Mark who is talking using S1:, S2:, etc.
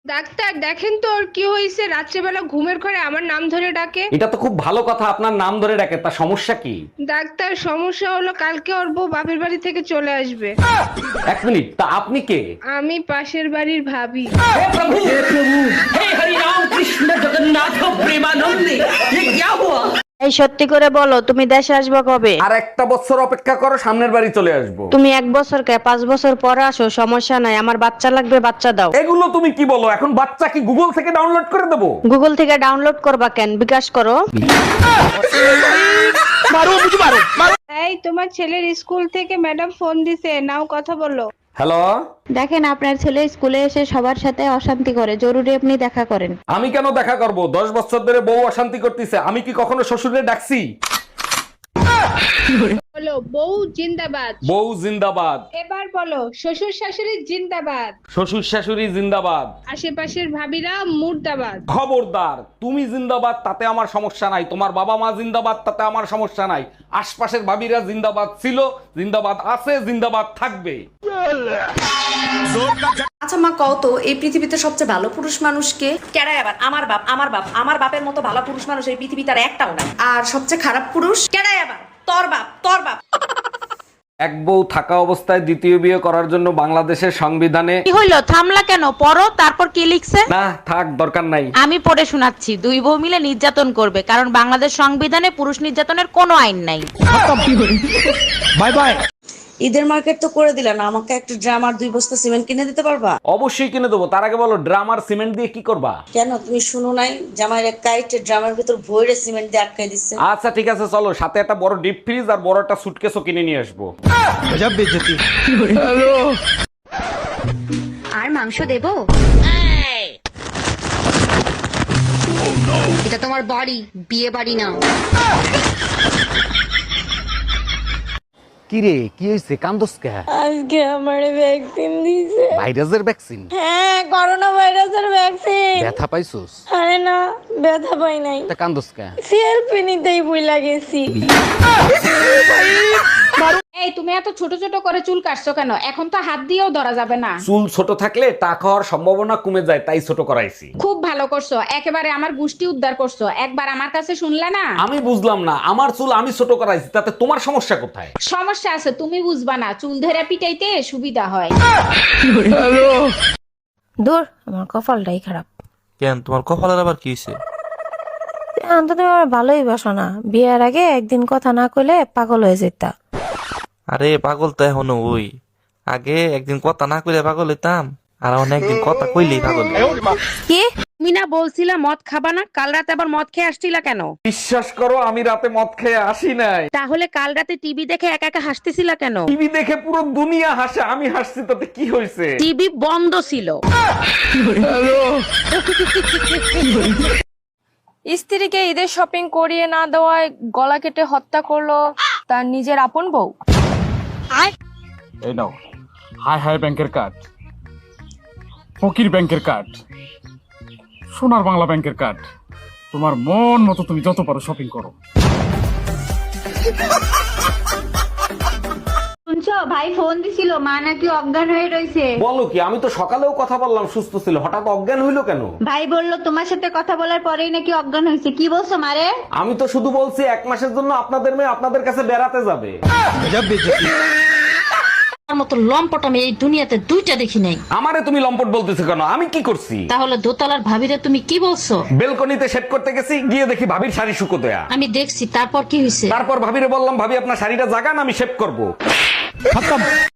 S1: Doctor দেখেন তো ওর কি হয়েছে, রাত্রেবেলা ঘুমের ঘরে আমার নাম ধরে ডাকে।
S2: এটা তো খুব ভালো কথা, আপনার নাম ধরে ডাকে, তা সমস্যা কি?
S1: ডাক্তার সমস্যা হলো কালকে ওর বউ বাপের বাড়ি থেকে চলে আসবে।
S2: এক মিনিট, তা আপনি কে?
S1: আমি পাশের বাড়ির ভাবি।
S3: এই সত্যি করে বলো, তুমি দেশে আসবে কবে?
S2: আর একটা বছর অপেক্ষা করো, সামনের বাড়ি চলে আসবো।
S3: তুমি 1 বছর কে 5 বছর পরে আসো, সমস্যা নাই। আমার বাচ্চা লাগবে, বাচ্চা দাও।
S2: এগুলো তুমি কি বলো? এখন বাচ্চা কি গুগল থেকে ডাউনলোড করে দেবো?
S3: গুগল থেকে ডাউনলোড করবা কেন? বিকাশ করো।
S1: এই তোমার ছেলের স্কুল থেকে ম্যাডাম ফোন দিছে, নাও কথা বলো।
S2: হ্যালো,
S3: দেখেন, আপনার ছেলে স্কুলে এসে সবার সাথে অশান্তি করে, জরুরি আপনি দেখা করেন।
S2: আমি কেন দেখা করব? 10 বছর ধরে বউ অশান্তি করতেছে, আমি কি কখনো শ্বশুরে ডাকছি?
S1: বলো বউ জিন্দাবাদ।
S2: বউ জিন্দাবাদ।
S1: এবার বলো শ্বশুর শাশুড়ি জিন্দাবাদ।
S2: শ্বশুর শাশুড়ি জিন্দাবাদ।
S1: আশেপাশের ভাবিরা মুর্দাবাদ।
S2: খবরদার, তুমি জিন্দাবাদ তাতে আমার সমস্যা নাই, তোমার বাবা মা জিন্দাবাদ তাতে আমার সমস্যা নাই, আশপাশের ভাবিরা জিন্দাবাদ ছিল, জিন্দাবাদ আছে, জিন্দাবাদ থাকবে।
S4: আচ্ছা মা, কও তো এই পৃথিবীতে সবচেয়ে ভালো পুরুষ মানুষ কে?
S5: কেডাই আবার? আমার বাপ, আমার বাপ, আমার বাপের মতো ভালো পুরুষ মানুষ এই পৃথিবীতে আর একটাও নাই।
S4: আর সবচেয়ে খারাপ পুরুষ?
S5: কেডাই আবার? তোর বাপ, তোর বাপ।
S2: এক বউ থাকা অবস্থায় দ্বিতীয় বিয়ে করার জন্য বাংলাদেশের সংবিধানে
S6: কি হইলো? থামলা কেন? পড়ো, তারপর কি লিখছে?
S2: না থাক, দরকার নাই।
S6: আমি পড়ে শোনাচ্ছি। 2 বউ মিলে নির্যাতন করবে, কারণ বাংলাদেশ সংবিধানে পুরুষ নির্যাতনের কোনো আইন নাই।
S2: Bye bye.
S4: ঈদের মার্কেট তো করে দিলা না, আমাকে একটা ড্রাম আর 2 বস্তা সিমেন্ট কিনে দিতে পারবা?
S2: অবশ্যই কিনে দেবো, তার আগে বলো ড্রাম আর সিমেন্ট দিয়ে কি করবা?
S4: কেন তুমি শুনো নাই? জামাইয়ের এক কাইটে ড্রামের ভিতর ভরে সিমেন্ট দিয়ে আটকাই দিচ্ছে।
S2: আচ্ছা ঠিক আছে, চলো, সাথে একটা বড় ডিপ ফ্রিজ আর বড় একটা সুটকেসও কিনে নিয়ে আসবো।
S7: আর মাংস দেবো? এটা তোমার বাড়ি, বিয়ে বাড়ি না।
S2: কি রে, কি হয়েছে? কান্দোস কে?
S8: আজকে আমারে ভ্যাকসিন দিছে।
S2: ভাইরাসের ভ্যাকসিন?
S8: হ্যাঁ, করোনা ভাইরাসের ভ্যাকসিন।
S2: ব্যথা পাইছোস?
S8: আরে না, ব্যথা পাই নাই।
S2: তা কান্দোস কে?
S8: সেলফি নিতেই ভুলা গেছি।
S9: এই তুমি এত ছোট ছোট করে চুল কাটছো কেন? এখন তো হাত দিয়েও ধরা যাবে না।
S2: চুল ছোট থাকলে টাক হওয়ার সম্ভাবনা কমে যায়, তাই ছোট করাইছি।
S9: খুব ভালো করছো, একেবারে আমার গুষ্টি উদ্ধার করছো। একবার আমার কাছে শুনলে না?
S2: আমি বুঝলাম না, আমার চুল আমি ছোট করাইছি, তাতে তোমার সমস্যা কোথায়?
S9: সমস্যা আছে, তুমি বুঝবা না। চুল ধরে পিটাইতে সুবিধা হয়।
S8: দূর, আমার কপালটাই খারাপ।
S10: কেন, তোমার কপালের আবার কি হয়েছে?
S8: এখন তো তুমি আমার ভালোই বাসো না। বিয়ের আগে একদিন কথা না কইলে পাগল হয়ে যেতা।
S10: আরে পাগল তো এখনো ওই, আগে একদিন কথা না কইলে পাগল হইতাম, আর এখন একদিন কথা কইলেই পাগল।
S8: কি?
S6: তুমি না বলছিলা মদ খাবা না? কাল রাতে আবার মদ খেয়ে আসছিলা কেন?
S2: বিশ্বাস করো, আমি রাতে মদ খেয়ে আসি নাই।
S6: তাহলে কাল রাতে টিভি দেখে একা একা হাসতেছিলা কেন?
S2: টিভি দেখে পুরো দুনিয়া হাসে, আমি হাসছি, তাতে কি হয়েছে?
S6: টিভি বন্ধ ছিল।
S8: স্ত্রীকে ঈদের শপিং করিয়ে না দেওয়ায় গলা কেটে হত্যা করলো তার নিজের আপন বউ।
S11: এই নাও, হাই হাই ব্যাংকের কার্ড, ফকির ব্যাংকের কার্ড, সোনার বাংলা ব্যাংকের কার্ড। তোমার মন মতো তুমি যত পারো শপিং করো।
S3: শুনছো, ভাই ফোন দিছিল, মা নাকি অজ্ঞান হয়ে রয়েছে।
S2: বলো কি? আমি তো সকালেও কথা বললাম, সুস্থ ছিল, হঠাৎ অজ্ঞান হইলো কেন?
S3: ভাই বললো তোমার সাথে কথা বলার পরেই নাকি অজ্ঞান হয়েছে। কি বলছো মারে?
S2: আমি তো শুধু বলছি 1 মাসের জন্য আপনাদের মেয়ে আপনাদের কাছে বেড়াতে যাবে।
S7: তার মতো লম্পট আমি এই দুনিয়াতে 2টা দেখি নাই।
S2: আমারে তুমি লম্পট বলতেছো কেন? আমি কি করছি?
S7: তাহলে দোতলার ভাবিরে তুমি কি বলছো?
S2: বেলকনিতে সেট করতে গেছি, গিয়ে দেখি ভাবির শাড়ি শুকো দেয়া।
S7: আমি দেখছি, তারপর কি হয়েছে?
S2: তারপর ভাবিরে বললাম, ভাবি আপনার শাড়িটা জাগান, আমি শেভ করবো।